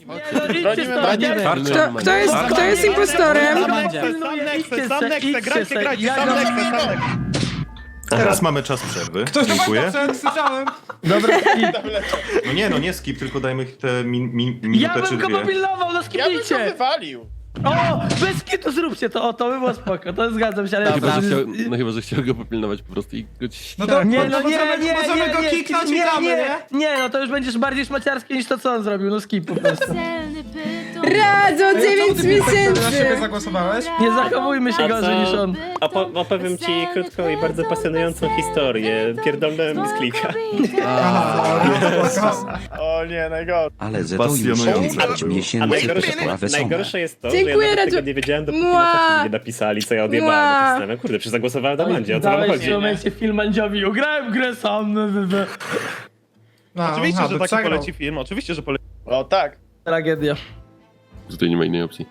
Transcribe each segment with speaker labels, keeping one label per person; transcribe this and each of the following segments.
Speaker 1: Kto jest impostorem?
Speaker 2: Teraz mamy czas przerwy.
Speaker 3: Ktoś do
Speaker 2: Dziękuję.
Speaker 3: Wojtka słyszałem.
Speaker 4: Dobra,
Speaker 2: No nie skip, tylko dajmy te
Speaker 4: ja
Speaker 2: minutę czy
Speaker 4: bym go
Speaker 2: dwie.
Speaker 4: popilnował, no
Speaker 5: Ja bym
Speaker 4: skipnijcie!
Speaker 5: to wywalił.
Speaker 4: O, bez kitu zróbcie to, o, to by było spoko, to zgadzam się, ale...
Speaker 6: Chyba, że chciał go popilnować po prostu i go...
Speaker 3: No to
Speaker 4: Nie,
Speaker 3: możemy go kiknąć i damy, nie?
Speaker 4: Nie, no to już będziesz bardziej szmaciarskie niż to, co on zrobił, no skip po prostu.
Speaker 1: Radzą 9
Speaker 3: Na siebie
Speaker 1: miesięcy!
Speaker 3: zagłosowałeś?
Speaker 4: Nie zachowujmy się
Speaker 7: A
Speaker 4: gorzej
Speaker 7: co?
Speaker 4: niż on.
Speaker 7: Opowiem ci krótką i bardzo pasjonującą historię. Pierdolnąłem z klika.
Speaker 5: O nie, najgorsze.
Speaker 8: Ale za to już
Speaker 2: Pasjonujące
Speaker 8: 9
Speaker 2: było.
Speaker 7: A
Speaker 8: miesięcy
Speaker 7: najgorsze,
Speaker 8: to była wesoła.
Speaker 7: najgorsze jest to,
Speaker 1: Dziękuję,
Speaker 7: że ja nawet
Speaker 1: Radziu.
Speaker 7: tego nie wiedziałem, dopóki
Speaker 1: Mua.
Speaker 7: na czacie nie napisali, co ja odjebałem.
Speaker 1: Mua.
Speaker 7: To zastanawiam, kurde, przecież zagłosowałem na Mandzie, o co wam
Speaker 4: Dałeś w
Speaker 7: chodzi?
Speaker 4: tym momencie film Mandziowi, ugrałem w grę sam.
Speaker 3: No,
Speaker 5: Oczywiście, że taki
Speaker 3: przegrał.
Speaker 5: poleci film, oczywiście, że poleci. O tak.
Speaker 4: Tragedia.
Speaker 6: Tutaj nie ma innej opcji.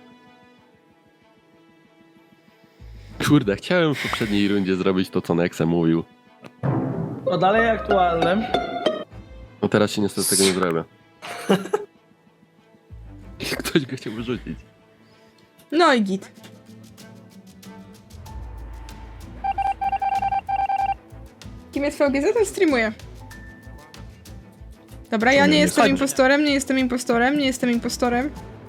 Speaker 6: Kurde, chciałem w poprzedniej rundzie zrobić to, co Nexe mówił.
Speaker 4: To dalej aktualne.
Speaker 6: No teraz się niestety tego nie zrobię. Ktoś go chciał wyrzucić.
Speaker 1: No i git. Kim jest VGZ? To streamuje. Dobra, ja nie jestem impostorem, nie jestem impostorem, nie jestem impostorem.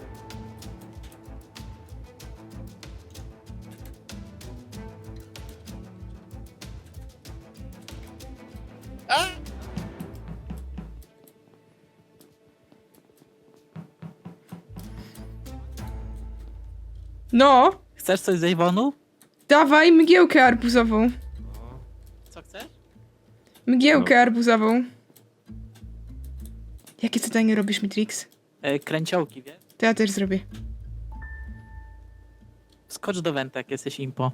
Speaker 1: No,
Speaker 9: Chcesz coś z Ewonu?
Speaker 1: dawaj mgiełkę arbuzową.
Speaker 9: Co chcesz?
Speaker 1: Mgiełkę arbuzową. Jakie zadanie robisz, Mitrix?
Speaker 9: Kręciołki, wiesz?
Speaker 1: To ja też zrobię.
Speaker 9: Skocz do Wenta, jak jesteś impo.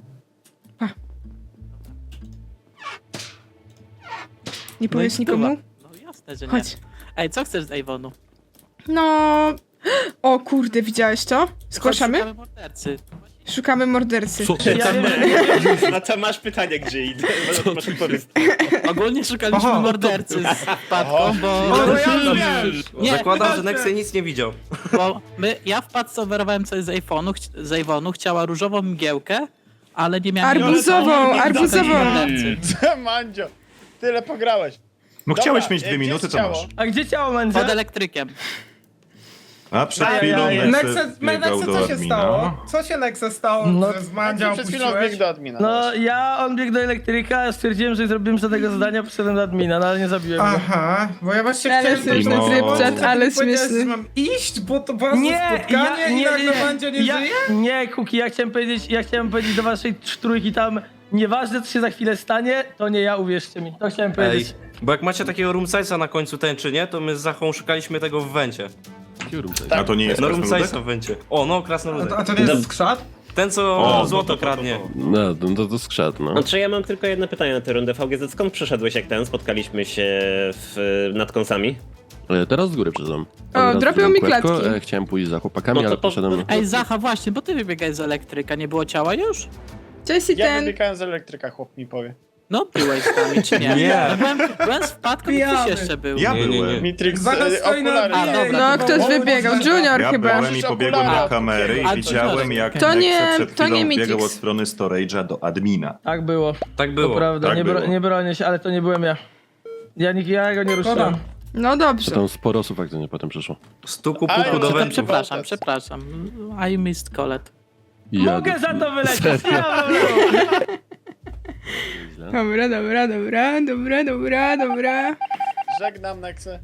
Speaker 1: Nie powiesz nikomu?
Speaker 9: No jasne, że nie.
Speaker 1: Chodź.
Speaker 9: Ej, co chcesz z Ewonu?
Speaker 1: No... O kurde, widziałeś to? Zgłaszamy?
Speaker 9: Szukamy mordercy.
Speaker 1: Szukamy mordercy.
Speaker 4: Ja wiem,
Speaker 7: Na co masz pytanie, gdzie idę? Masz odpowiedź.
Speaker 9: Ogólnie szukaliśmy
Speaker 3: Aha.
Speaker 9: mordercy z wpadką, bo...
Speaker 3: No ja już wiem.
Speaker 9: Nie,
Speaker 8: Zakładam, że Nexe nic nie widział.
Speaker 9: bo ja w wpadce oferowałem coś z Ewonu, chciała różową mgiełkę, ale nie miałem...
Speaker 1: Arbuzową, arbuzową.
Speaker 9: mordercy.
Speaker 5: Mandzio, tyle pograłeś.
Speaker 2: No
Speaker 5: Dobra,
Speaker 2: chciałeś mieć 2
Speaker 5: gdzie
Speaker 2: minuty,
Speaker 5: jest
Speaker 2: to
Speaker 5: ciało?
Speaker 2: masz.
Speaker 4: A gdzie ciało
Speaker 9: Pod
Speaker 4: Mandzia?
Speaker 9: elektrykiem.
Speaker 2: A przed
Speaker 4: Aj,
Speaker 2: chwilą
Speaker 4: aj, aj.
Speaker 2: Nexe biegał
Speaker 3: Nexe,
Speaker 2: do
Speaker 3: co się
Speaker 2: admina.
Speaker 3: stało? Co się Nexe stało,
Speaker 4: No,
Speaker 3: że z Mandzia
Speaker 5: Przed chwilą
Speaker 3: opuściłeś?
Speaker 5: wbiegł do admina.
Speaker 4: No on biegł do elektryka, stwierdziłem, że nie zrobiłem żadnego zadania, poszedłem do admina, no ale nie zabiłem go.
Speaker 3: Aha, bo ja właśnie
Speaker 1: Ale
Speaker 3: chciałem...
Speaker 1: śmieszny
Speaker 2: No.
Speaker 1: zrypczat, ale
Speaker 3: Powiedziałeś,
Speaker 1: śmieszny.
Speaker 3: że mam iść, bo to było spotkanie i nagle Mandzia nie żyje?
Speaker 4: Nie, Kuki, ja chciałem powiedzieć do waszej trójki tam, nieważne co się za chwilę stanie, to nie ja, uwierzcie mi, to chciałem powiedzieć.
Speaker 8: Bo jak macie takiego roomsize'a na końcu tęczy, nie? To my z Zachą szukaliśmy tego w Wencie.
Speaker 2: A to nie jest
Speaker 8: No
Speaker 2: krasnoludek?
Speaker 8: roomsize'a w Wencie. O, no krasnoludek.
Speaker 3: A to nie jest skrzat?
Speaker 8: Ten, co
Speaker 2: O,
Speaker 8: złoto kradnie.
Speaker 6: No, to skrzat, no.
Speaker 7: Znaczy ja mam tylko jedno pytanie na tę rundę. VGZ, skąd przeszedłeś jak spotkaliśmy się nad kąsami?
Speaker 6: Teraz z góry przyznam.
Speaker 1: O, dropią mi klatki.
Speaker 6: Chciałem pójść za chłopakami,
Speaker 7: No to
Speaker 6: ale
Speaker 7: po-
Speaker 6: poszedłem...
Speaker 9: Ej, Zacha, właśnie, bo ty wybiegałeś z elektryka, nie było ciała już?
Speaker 1: Cześć i
Speaker 5: Ja
Speaker 1: ten.
Speaker 5: wybiegałem z elektryka, chłop mi powie.
Speaker 9: No, byłeś z nami, czy nie?
Speaker 8: Nie.
Speaker 9: No, byłem z wpadką i ktoś jeszcze był.
Speaker 2: Ja
Speaker 8: Nie, nie, nie.
Speaker 2: byłem.
Speaker 5: Mitrix,
Speaker 3: Zaraz stoi na
Speaker 5: okulary.
Speaker 9: A, dobra.
Speaker 1: No, ktoś wybiegał. Junior
Speaker 2: Ja
Speaker 1: chyba.
Speaker 2: byłem i pobiegłem do kamery
Speaker 9: A,
Speaker 2: i widziałem jak
Speaker 1: To nie-
Speaker 2: Nexe przed
Speaker 1: to nie
Speaker 2: chwilą
Speaker 1: Mitrix.
Speaker 2: biegał od strony storage'a do admina.
Speaker 4: Tak było,
Speaker 8: Tak
Speaker 4: to
Speaker 8: było.
Speaker 4: prawda,
Speaker 2: tak
Speaker 4: nie,
Speaker 2: było.
Speaker 4: nie bronię się, ale to nie byłem ja. Ja go nie ruszyłem.
Speaker 3: Dobra.
Speaker 1: No dobrze.
Speaker 6: Tam sporo osób faktycznie potem przyszło.
Speaker 8: Stuku
Speaker 5: Ale
Speaker 8: puku do
Speaker 5: to
Speaker 8: Wentu.
Speaker 9: Przepraszam. I missed Colette.
Speaker 4: Mogę za to wylecieć, ja
Speaker 1: Dobra.
Speaker 5: Żegnam, Nexe.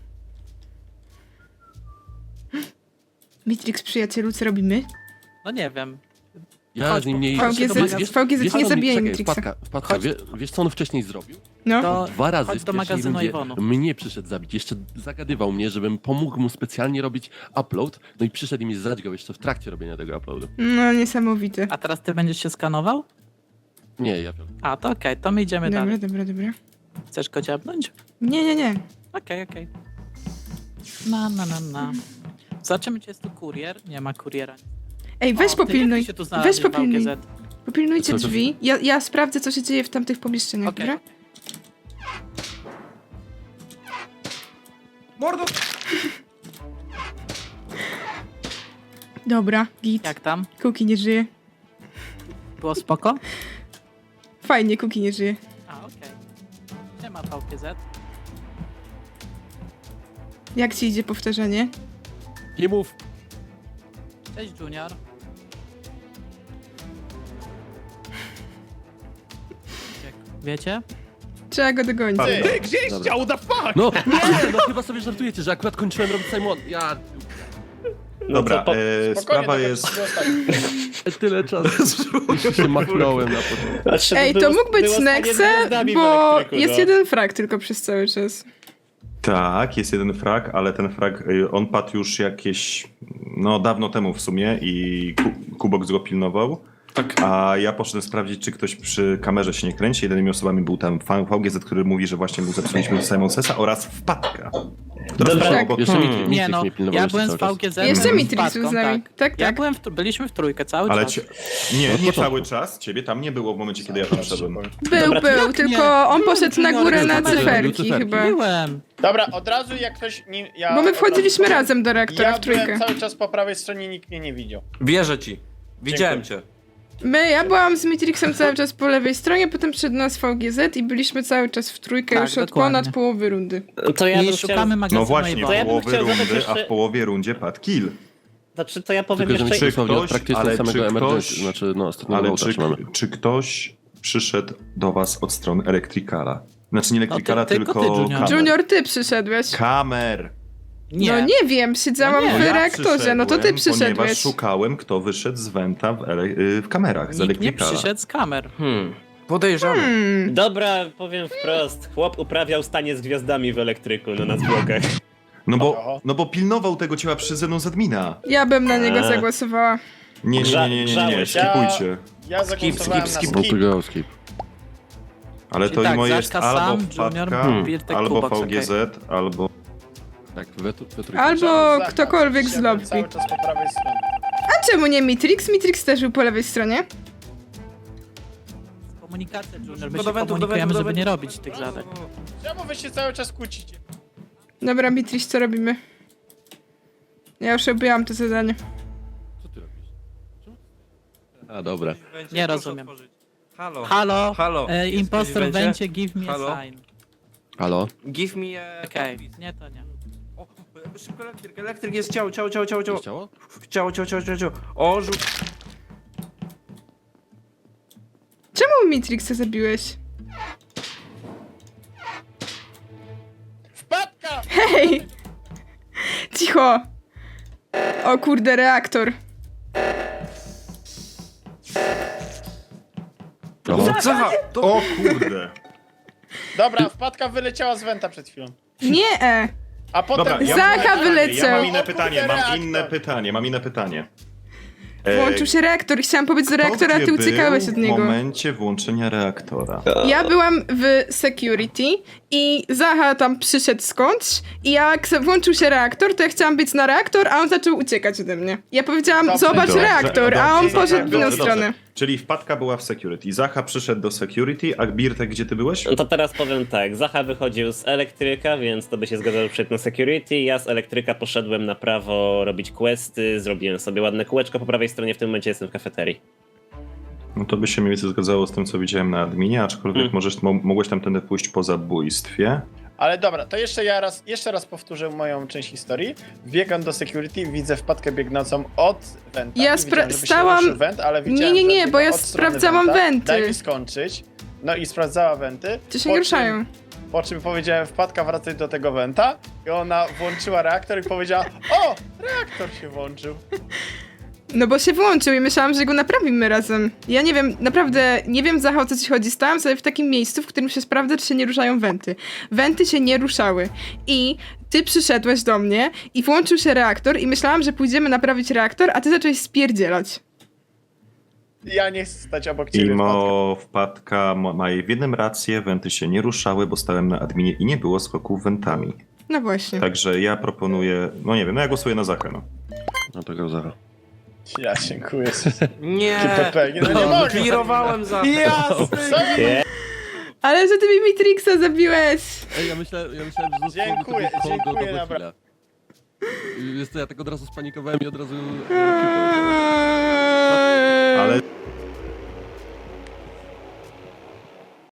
Speaker 1: Mitrix, przyjacielu, co robimy?
Speaker 9: No nie wiem.
Speaker 6: Ja
Speaker 9: Chodź,
Speaker 6: z nim nie...
Speaker 9: VGZ
Speaker 1: VGZ nie zabijaj Mitrixa.
Speaker 6: Wpadka, wiesz co on wcześniej zrobił?
Speaker 1: No.
Speaker 9: To
Speaker 6: 2 razy
Speaker 9: chodź
Speaker 6: w
Speaker 9: do
Speaker 6: pierwszej
Speaker 9: magazynu
Speaker 6: rundzie
Speaker 9: Iwonu.
Speaker 6: mnie przyszedł zabić. Jeszcze zagadywał mnie, żebym pomógł mu specjalnie robić upload. No i przyszedł i mi zadźgał jeszcze w trakcie robienia tego uploadu.
Speaker 1: No, niesamowite.
Speaker 9: A teraz ty będziesz się skanował?
Speaker 6: Nie, ja
Speaker 9: A, to okej, to my idziemy dalej.
Speaker 1: Dobra.
Speaker 9: Chcesz go dziabnąć?
Speaker 1: Nie.
Speaker 9: Okej. Na. Zobaczymy, czy jest tu kurier. Nie ma kuriera.
Speaker 1: Ej, weź
Speaker 9: O, ty, jak
Speaker 1: popilnuj.
Speaker 9: ty się tu znalazłeś
Speaker 1: Weź
Speaker 9: w
Speaker 1: popilnuj.
Speaker 9: VGZ?
Speaker 1: Popilnujcie
Speaker 6: Co?
Speaker 1: drzwi. Ja sprawdzę, co się dzieje w tamtych pomieszczeniach,
Speaker 9: Okej.
Speaker 1: dobra?
Speaker 3: Mordo!
Speaker 1: Dobra, git.
Speaker 9: Jak tam?
Speaker 1: Kuki nie żyje.
Speaker 9: Było spoko?
Speaker 1: Fajnie, Kuki nie żyje.
Speaker 9: A, okej. Nie ma VPZ.
Speaker 1: Jak ci idzie powtarzanie?
Speaker 6: Nie mów.
Speaker 9: Cześć Junior. Wiecie?
Speaker 1: Trzeba go dogonić.
Speaker 5: Ty,
Speaker 7: Gdzieś
Speaker 6: Dobra.
Speaker 7: chciał, the fuck!
Speaker 6: No, nie, no chyba sobie żartujecie, że akurat kończyłem robić Simon. Ja
Speaker 2: Dobra,
Speaker 5: Spokojnie,
Speaker 2: sprawa
Speaker 5: dobra,
Speaker 2: jest...
Speaker 5: to ostatni.
Speaker 6: tyle czasu się machnąłem na początku.
Speaker 7: Znaczy,
Speaker 1: Ej, to
Speaker 7: było-
Speaker 1: mógł być
Speaker 7: było stanie z
Speaker 1: Nexe,
Speaker 7: gwiazdami w
Speaker 1: bo
Speaker 7: elektryku,
Speaker 1: jest
Speaker 7: no.
Speaker 1: jeden frag tylko przez cały czas.
Speaker 2: Tak, jest jeden frag, ale ten frag, on padł już jakieś, no dawno temu w sumie i Kubox go pilnował.
Speaker 8: Tak.
Speaker 2: A ja poszedłem sprawdzić, czy ktoś przy kamerze się nie kręci. Jedynymi osobami był tam fan VGZ, który mówi, że właśnie mu zepsuliśmy Simon Sessa oraz Wpadka. która
Speaker 7: Dobra.
Speaker 2: stała
Speaker 1: Tak.
Speaker 2: obok-
Speaker 6: Jeszcze Mitrix
Speaker 9: Nie no,
Speaker 6: mnie pilnował
Speaker 9: ja
Speaker 6: jeszcze
Speaker 9: byłem z
Speaker 6: cały czas.
Speaker 9: VGZ.
Speaker 1: Jeszcze
Speaker 9: z
Speaker 1: Mitrix
Speaker 9: Patką,
Speaker 1: był z nami. Tak,
Speaker 9: Ja
Speaker 1: tak.
Speaker 9: byłem byliśmy w trójkę cały
Speaker 2: Ale
Speaker 9: czas.
Speaker 2: nie
Speaker 6: początku.
Speaker 2: cały czas. Ciebie tam nie było w momencie, kiedy ja tam wszedłem.
Speaker 7: Dobra,
Speaker 1: Był,
Speaker 9: jak
Speaker 1: tylko
Speaker 9: nie?
Speaker 1: on poszedł na
Speaker 9: Junior
Speaker 1: górę
Speaker 9: był
Speaker 1: na
Speaker 9: w kamerze.
Speaker 1: cyferki
Speaker 6: Był
Speaker 1: chyba.
Speaker 9: Byłem.
Speaker 5: Dobra, od razu jak ktoś... Ja
Speaker 1: Bo my wchodziliśmy
Speaker 5: od razu-
Speaker 1: razem do reaktora
Speaker 5: Ja
Speaker 1: w trójkę.
Speaker 5: byłem cały czas po prawej stronie, nikt mnie nie widział.
Speaker 8: Wierzę ci. Widziałem cię.
Speaker 1: Ja byłam z Matrixem cały czas po lewej stronie, potem przed nas VGZ i byliśmy cały czas w trójkę
Speaker 9: Tak,
Speaker 1: już od
Speaker 9: dokładnie.
Speaker 1: ponad połowy rundy.
Speaker 7: To ja bym
Speaker 9: I szukamy
Speaker 7: chciał...
Speaker 9: magazynu
Speaker 2: No właśnie,
Speaker 9: Ejwona.
Speaker 7: To ja
Speaker 2: w
Speaker 7: bym
Speaker 2: połowie
Speaker 7: chciał zadać
Speaker 2: rundy, a
Speaker 7: jeszcze-
Speaker 2: w połowie rundzie padł kill.
Speaker 7: Znaczy, to ja powiem
Speaker 6: Tylko, że
Speaker 7: jeszcze...
Speaker 6: mi się
Speaker 2: ktoś-
Speaker 6: praktycznie
Speaker 2: ale
Speaker 6: samego
Speaker 2: czy
Speaker 6: emergency,
Speaker 2: ktoś-
Speaker 6: znaczy no ostatniego
Speaker 2: Ale
Speaker 6: wołta trzymamy.
Speaker 2: czy ktoś przyszedł do was od strony Electricala? Znaczy nie Electricala,
Speaker 9: tylko ty,
Speaker 2: tylko
Speaker 9: Junior.
Speaker 2: kamer.
Speaker 1: Junior, ty przyszedłeś.
Speaker 2: Kamer!
Speaker 9: Nie.
Speaker 1: No nie wiem, siedziałam
Speaker 9: No nie.
Speaker 1: w
Speaker 2: Ja
Speaker 1: reaktorze, no to ty
Speaker 2: przyszedłem, Ponieważ
Speaker 1: przyszedłeś.
Speaker 2: szukałem, kto wyszedł z Venta w kamerach, z
Speaker 9: Nikt nie
Speaker 2: Electricala.
Speaker 9: przyszedł z kamer.
Speaker 8: Podejrzany.
Speaker 7: Dobra, powiem wprost. Chłop uprawiał stanie z gwiazdami w elektryku, no na zwłokach.
Speaker 5: Oho.
Speaker 2: No bo pilnował tego ciała przez ze mną z admina.
Speaker 1: Ja bym na niego zagłosowała.
Speaker 2: Nie,
Speaker 7: Grzałeś.
Speaker 2: skipujcie.
Speaker 5: Ja zagłosowałem na
Speaker 8: skip.
Speaker 6: No
Speaker 5: skip.
Speaker 6: to go skip.
Speaker 2: Ale to
Speaker 9: Czyli tak,
Speaker 2: imo jest
Speaker 9: Zaszka
Speaker 2: albo
Speaker 9: sam,
Speaker 2: Wpadka,
Speaker 9: Junior, Birtek,
Speaker 2: albo
Speaker 9: Kubox,
Speaker 2: VGZ, albo...
Speaker 6: Tak, we trójkę.
Speaker 1: Albo
Speaker 5: Zacha,
Speaker 1: ktokolwiek z
Speaker 5: siadłem
Speaker 1: lobby.
Speaker 5: cały czas po prawej stronie.
Speaker 1: A czemu nie Matrix? Matrix też był po lewej stronie.
Speaker 9: Komunikacja, Junior. My
Speaker 8: Do
Speaker 9: się
Speaker 8: wentów,
Speaker 9: komunikujemy,
Speaker 8: do
Speaker 9: żeby nie
Speaker 8: wentów.
Speaker 9: robić tych zadań.
Speaker 5: Czemu wy się cały czas kłócicie?
Speaker 1: Dobra, Matrix, co robimy? Ja już robiłam to zadanie.
Speaker 6: Co ty robisz? A dobra.
Speaker 9: Nie rozumiem.
Speaker 8: Halo.
Speaker 9: Halo,
Speaker 8: Halo.
Speaker 9: impostor
Speaker 8: Jesteś w
Speaker 9: będzie, give me
Speaker 8: Halo?
Speaker 9: a sign.
Speaker 6: Halo?
Speaker 8: Give me a...
Speaker 9: Okej, nie to nie.
Speaker 8: O, szybko elektryk. Elektryk jest ciało.
Speaker 6: Jest ciało?
Speaker 8: Ciało. O, rzuć.
Speaker 1: Czemu Matrixa zabiłeś?
Speaker 5: Wpadka!
Speaker 1: Hej! Cicho! O kurde, reaktor.
Speaker 8: Zacha! To...
Speaker 2: O kurde!
Speaker 5: Dobra, wpadka wyleciała z Wenta przed chwilą.
Speaker 1: Nie!
Speaker 5: A potem...
Speaker 2: Dobra,
Speaker 1: Zacha
Speaker 2: mam
Speaker 1: wyleciał.
Speaker 2: inne
Speaker 5: O
Speaker 2: pytanie,
Speaker 5: kurde,
Speaker 2: mam inne pytanie.
Speaker 1: Włączył się reaktor i chciałam pobiec do reaktora, a ty uciekałeś od
Speaker 2: w
Speaker 1: niego.
Speaker 2: momencie włączenia reaktora.
Speaker 1: Ja byłam w security i Zacha tam przyszedł skądś i jak włączył się reaktor, to ja chciałam biec na reaktor, a on zaczął uciekać ode mnie. Ja powiedziałam,
Speaker 5: Dobrze,
Speaker 1: zobacz
Speaker 5: dobrze,
Speaker 1: reaktor, a on
Speaker 5: dobrze,
Speaker 1: poszedł w inną
Speaker 5: dobrze,
Speaker 1: stronę.
Speaker 2: Czyli Wpadka była w security, Zacha przyszedł do security, a Birtek, gdzie ty byłeś?
Speaker 7: No to teraz powiem tak, Zacha wychodził z elektryka, więc to by się zgadzało przed na security. Ja z elektryka poszedłem na prawo robić questy, zrobiłem sobie ładne kółeczko po prawej stronie, w tym momencie jestem w kafeterii.
Speaker 2: No to by się mniej więcej zgadzało z tym, co widziałem na adminie, aczkolwiek mogłeś tamtędy pójść po zabójstwie.
Speaker 5: Ale dobra, to jeszcze raz powtórzę moją część historii. Biegam do security, widzę wpadkę biegnącą od Venta.
Speaker 1: Ja
Speaker 5: Nie widziałem, żeby się
Speaker 1: stałam-
Speaker 5: ruszył Went, ale widziałem,
Speaker 1: Nie,
Speaker 5: że
Speaker 1: bo ja
Speaker 5: biega od strony
Speaker 1: sprawdzałam
Speaker 5: Venta.
Speaker 1: wenty.
Speaker 5: Daj mi skończyć. No i sprawdzała wenty.
Speaker 1: Czy się
Speaker 5: po
Speaker 1: nie
Speaker 5: czym-
Speaker 1: ruszają?
Speaker 5: Po czym powiedziałem, wpadka, wracaj do tego Wenta. I ona włączyła reaktor i powiedziała, o, reaktor się włączył.
Speaker 1: No bo się włączył i myślałam, że go naprawimy razem. Ja nie wiem, naprawdę nie wiem, Zacha, o co ci chodzi. Stałam sobie w takim miejscu, w którym się sprawdza, czy się nie ruszają wenty. Wenty się nie ruszały. I ty przyszedłeś do mnie i włączył się reaktor i myślałam, że pójdziemy naprawić reaktor, a ty zacząłeś spierdzielać.
Speaker 5: Ja nie chcę stać obok ciebie, wpadka.
Speaker 2: Wpadka ma w jednym rację, wenty się nie ruszały, bo stałem na adminie i nie było skoków wentami.
Speaker 1: No właśnie.
Speaker 2: Także ja proponuję, no nie wiem, no ja głosuję na Zachę, no.
Speaker 6: No to go Zacha.
Speaker 5: Ja dziękuję.
Speaker 8: Nie.
Speaker 5: PPG, no nie mogę.
Speaker 8: Klirowałem za...
Speaker 5: Jasne.
Speaker 1: Ale że ty mi Matrixa zabiłeś!
Speaker 6: Ej, ja myślałem, że
Speaker 5: Dziękuję,
Speaker 6: zostało do
Speaker 5: dziękuję,
Speaker 6: tego
Speaker 5: dobra.
Speaker 6: chwila. Jest to ja tak od razu spanikowałem i od razu...